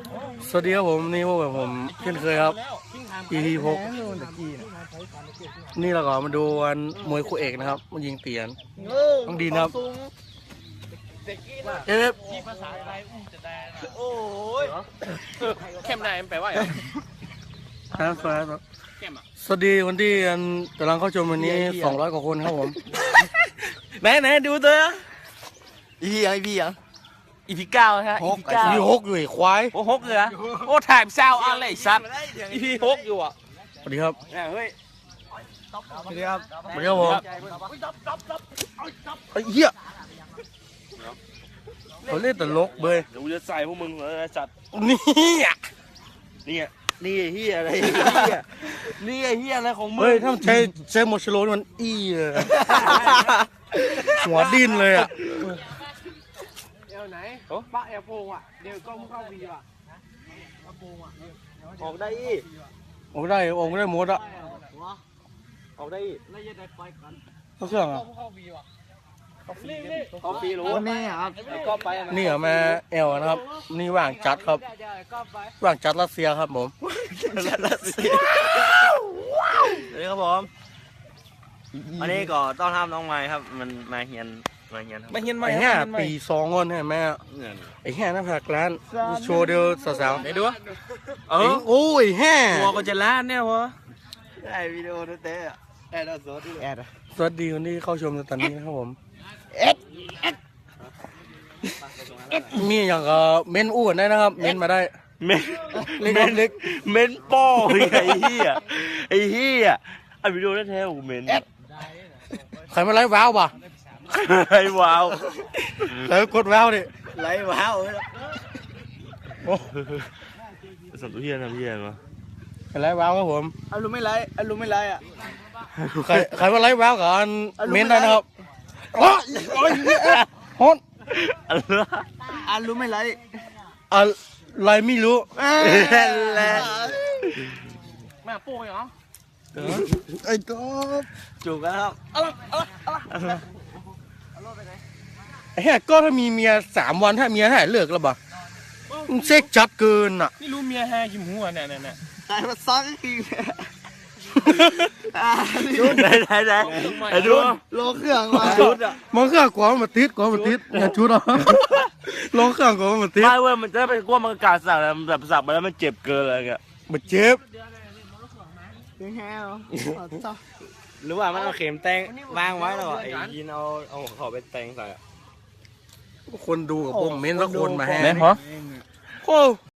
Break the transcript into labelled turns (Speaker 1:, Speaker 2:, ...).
Speaker 1: สวัสดีครับผมนี่พวกผมเช่นเคยครับ EP 6นี่เราก็มาดูวันมวยคู่เอกนะครับมันยิงเตียนต้องดีนะครับเอฟ
Speaker 2: โอ้ยเข้มได้แปลว่าอะไร
Speaker 1: ครับสวัสดีวันที่กำลังเข้าชมวันนี้200 กว่าคนครับผม
Speaker 2: ไหนดูตัวอีพีเก้าฮะอีพีเก้า
Speaker 1: มี6อยู่ไอ้ควาย
Speaker 2: โอ้หกเลยโอ้ถ่ายเศร้าอะไรสัตว์อีพีหกอยู่อ่ะ
Speaker 1: สวัสดีครับ
Speaker 2: เฮ้ย
Speaker 1: สวัสดีครับสวัสดีครับผมไอ้เหี้ยเขาเล่นตลกเบย
Speaker 2: เดี๋ยวกูจะใส่พวกมึงเลยสัตว์
Speaker 1: นี่อ่ะ
Speaker 2: นี่เฮียอะไรนี่เฮียอะไรของมึง
Speaker 1: เฮ้ยถ้ามันใช้โมชโลนี่มันอี้เลย หัวดิ้นเลยอ่ะ
Speaker 3: เอวไหนป้าเอวโพงอ่ะเดี๋ยวก็เข้าวีว่ะ
Speaker 2: ออกได้อี
Speaker 1: โอ้ได้หมดอ่ะ
Speaker 2: ออกได้อี
Speaker 3: แล้วยังได้ไปกัน
Speaker 1: เขาเครื่องอ่ะ
Speaker 3: เข้าวีว่ะ
Speaker 2: ออกปีรู้
Speaker 3: นี่ครับก็ไป
Speaker 1: นี่เหรอแม่เอลนะครับ นี่ว่างจัดครับ
Speaker 3: ก็ไป
Speaker 1: ว่างจัดรัสเซียครับผม
Speaker 2: รัสเซียสวัสดีครับผมวันนี้ก็ต้อนรับน้องไม้ครับมันมาเฮียนครับ
Speaker 1: ไอ้แห่ปี2 คนให้แม่ไอ้แห่หน้าผากร้านโชว์เดียวสาวๆ
Speaker 2: ไหนดูวะ
Speaker 1: โอ้ยแห่
Speaker 2: หัวก็จะล้านเนี่ยวะ
Speaker 3: ได้วิดีโอนั่นเต้แอดสดแอด
Speaker 1: สวัสดีคนที่เข้าชมในตอนนี้นะครับผมมีอย่างก็เม้นอ้วนได้นะครับ เม้นมาได้
Speaker 2: เม้นป้อไอ้เหี้ยไอ้วิดีโอนั่นแท้กูเม้น
Speaker 1: ใครมาไล่ว้าวป่ะ
Speaker 2: ไอ้ว้าว
Speaker 1: ใครกดว้าวดิ
Speaker 3: ไล่ว้าว
Speaker 2: สัมตุเฮียนทำเฮียมา
Speaker 1: ใครไล่ว้าวครับผม
Speaker 3: อารมณ์ไม่ไล่อ่ะ
Speaker 1: ใครมาไล่ว้าวกับเม้นได้นะครับโอ้ยฮอน
Speaker 3: อารมณ์ไม่ไล่
Speaker 1: อะไรไม่รู้
Speaker 3: มาปูเหรอ
Speaker 1: ไอ้ก๊อฟ
Speaker 3: จูบกันครับ
Speaker 1: ไอ้แห่ก็ถ้ามีเมีย3 วันถ้าเมียถ่ายเลิกแล้วบ่มึงเซ็กจัดเกินอ่ะ
Speaker 2: นี่รู้เมียแฮยิ้มหัวเนี่ย
Speaker 3: ใครมาซักอีก
Speaker 2: ไหนไอ้ดู
Speaker 3: โลเครื่องมา
Speaker 2: ชุดอ่ะ
Speaker 1: มันเครื่องกว่ามาติดอย่าชุดอ่ะลองเครื่องกว่ามาติด
Speaker 2: ไม่เว้ยมันจะไปกลัวมันกาสักแล้วแบบสักไปแล้วมันเจ็บเกินอะไรเงี้ย
Speaker 1: มาเจ็บ
Speaker 3: แฮว
Speaker 2: หรือว่ามันเอาเข็มแตงวางไว้แล้วไอ้ยินเอาขอไปแตงใส่
Speaker 1: คนดูกับผมเม้นสักคนมาแห่
Speaker 2: แม่นเหรอ
Speaker 1: โอ้